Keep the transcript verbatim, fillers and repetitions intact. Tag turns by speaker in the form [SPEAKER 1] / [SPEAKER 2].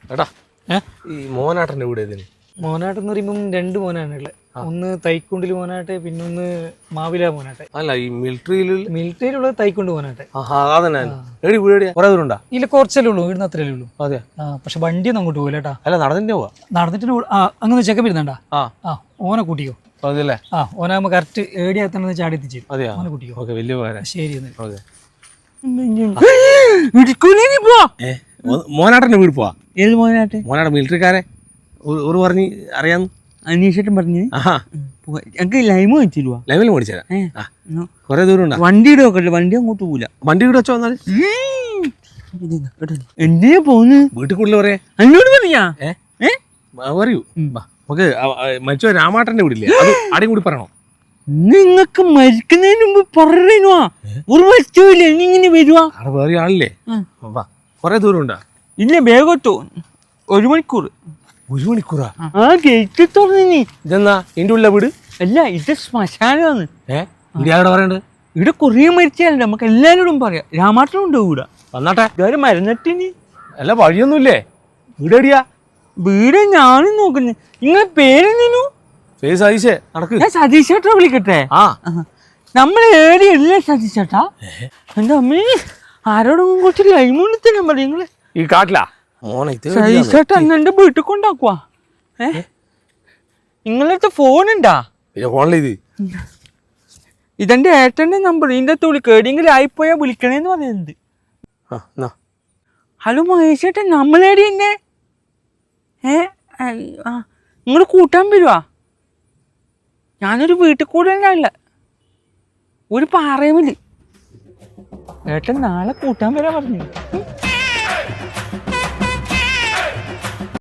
[SPEAKER 1] എടാ ഈ മോനാട്ടൻ്റെ വീട് ഏതിന്?
[SPEAKER 2] മോനാട്ട് എന്ന് പറയുമ്പം രണ്ട് മോനാണുള്ളത്. ഒന്ന് തൈക്കുണ്ടിൽ മോനാട്ടെ, പിന്നെ ഒന്ന് മാവില മോനാട്ടെ.
[SPEAKER 1] അല്ല ഈ മിലിറ്ററിയിൽ
[SPEAKER 2] മിലിറ്ററിയിലുള്ളത് തൈക്കുണ്ട് മോനാട്ടെ.
[SPEAKER 1] എടി വീട് കുറെ ദൂരമുണ്ടാ?
[SPEAKER 2] ഇല്ല, കുറച്ചല്ലേ ഉള്ളൂ, ഇവിടുന്ന് അത്രയല്ലേ ഉള്ളൂ.
[SPEAKER 1] അതെ.
[SPEAKER 2] ആ പക്ഷെ വണ്ടിയൊന്നും അങ്ങോട്ട് പോകില്ല കേട്ടാ.
[SPEAKER 1] അല്ല നടന്നിട്ട് പോവാ.
[SPEAKER 2] നടന്നിട്ട് ആ അങ്ങനെ ചെക്കപ്പ് ഇരുന്നണ്ടാ.
[SPEAKER 1] ആ
[SPEAKER 2] ആ ഓനെ കൂട്ടിക്കോ.
[SPEAKER 1] അതല്ലേ?
[SPEAKER 2] ആ ഓനാകുമ്പോ കറക്റ്റ് ഏടിയാത്തന്നെ ചാടി എത്തിച്ചു.
[SPEAKER 1] അതെയാ?
[SPEAKER 2] ഓനെ കൂട്ടിക്കോ.
[SPEAKER 1] ഓക്കെ, വലിയ ഉപകാരം.
[SPEAKER 2] ശരി.
[SPEAKER 1] മോനാട്ടൻ്റെ വീട് പോവാ.
[SPEAKER 3] ഏത് മോനാട്ടെ?
[SPEAKER 1] മോനാട്ട മിലിറ്ററിക്കാരെ ഒരു പറഞ്ഞ് അറിയാന്ന്
[SPEAKER 3] അന്വേഷിച്ചിട്ടും പറഞ്ഞു. ഞങ്ങക്ക് ലൈമ് വെച്ചിരുവാ.
[SPEAKER 1] ലൈമിൽ മേടിച്ചേരാ. കൊറേ ദൂരം ഉണ്ടാ?
[SPEAKER 3] വണ്ടിയുടെ നോക്കട്ടെ, വണ്ടി അങ്ങോട്ട് പോവില്ല.
[SPEAKER 1] വണ്ടി ഇവിടെ വെച്ചോ വന്നാല്
[SPEAKER 3] എന്തിനാ പോന്ന്?
[SPEAKER 1] വീട്ടിൽ കൂടുതൽ പറയാ
[SPEAKER 3] എന്നോട് പറഞ്ഞാ
[SPEAKER 1] പറയൂ. നമുക്ക് മരിച്ചോ രാമാട്ടന്റെ വീടില്ലേ, അത് ആടെയും കൂടി പറയണോ?
[SPEAKER 3] നിങ്ങക്ക് മരിക്കുന്നതിന് മുമ്പ് പറയുവാ. ഒരു വസ്തുവില്ല, ഇങ്ങനെ വരുവാ.
[SPEAKER 1] അവിടെ വേറെ ആളില്ലേ? കൊറേ ദൂരം ഉണ്ടാ?
[SPEAKER 3] ഇല്ല, വേഗത്തോ ഒരു മണിക്കൂർ.
[SPEAKER 1] ഒരു മണിക്കൂറാ?
[SPEAKER 3] ആ ഗേറ്റ് തുറന്നി.
[SPEAKER 1] ഇതെന്നാ എന്റെ ഉള്ള വീട്?
[SPEAKER 3] അല്ല, ഇത് ശ്മശാനമാണ്.
[SPEAKER 1] ഏഹ് ഇവിടെ ആരോട് പറയണ്ട്?
[SPEAKER 3] ഇവിടെ കൊറേ മരിച്ചാലേ നമുക്ക് എല്ലാരോടും പറയാം. രാമാട്ടനുണ്ടോ ഇവിടെ?
[SPEAKER 1] വന്നാട്ടെ.
[SPEAKER 3] ഇതുവരെ മരുന്നിട്ടിനി.
[SPEAKER 1] അല്ല വഴിയൊന്നുമില്ലേ? വീട് എടിയാ?
[SPEAKER 3] വീട് ഞാനും നോക്കുന്നു. നിങ്ങളെ പേരെന്നു?
[SPEAKER 1] ഫേസ് ആയിഷേ നടക്ക്.
[SPEAKER 3] ഞാൻ സതീശേട്ടാ വിളിക്കട്ടെ.
[SPEAKER 1] ആ
[SPEAKER 3] നമ്മളെ ഏരിയല്ലേ സതീശേട്ടാ? എന്റെ അമ്മേ, ആരോടും കുറച്ച് ലൈമുണ്ട് നമ്പർ. നിങ്ങള്
[SPEAKER 1] ഈ കാട്ടിലാ മോനെ?
[SPEAKER 3] സതീശേട്ടാ എന്നെ വീട്ടിൽ കൊണ്ടാക്കുവാ. ഏ നിങ്ങളടുത്ത് ഫോൺ ഉണ്ടാ?
[SPEAKER 1] ഫോണിൽ ഇത്
[SPEAKER 3] ഇതെന്റെ ഏട്ടന്റെ നമ്പർ. ഇതിന്റെ അകത്ത് വിളിക്കുക. എവിടെയെങ്കിലും ആയിപ്പോയാ വിളിക്കണേന്ന് പറയുന്നത്. ഹലോ മഹേഷേട്ടാ, നമ്മളേടി തന്നെ. ഏ ആ നിങ്ങൾ കൂട്ടാൻ വരുവാ? ഞാനൊരു വീട്ടിൽ കൂടെ ഉള്ള ഒരു പാറയുമില്ല. ഏട്ടൻ നാളെ കൂട്ടാൻ വരാ പറഞ്ഞു.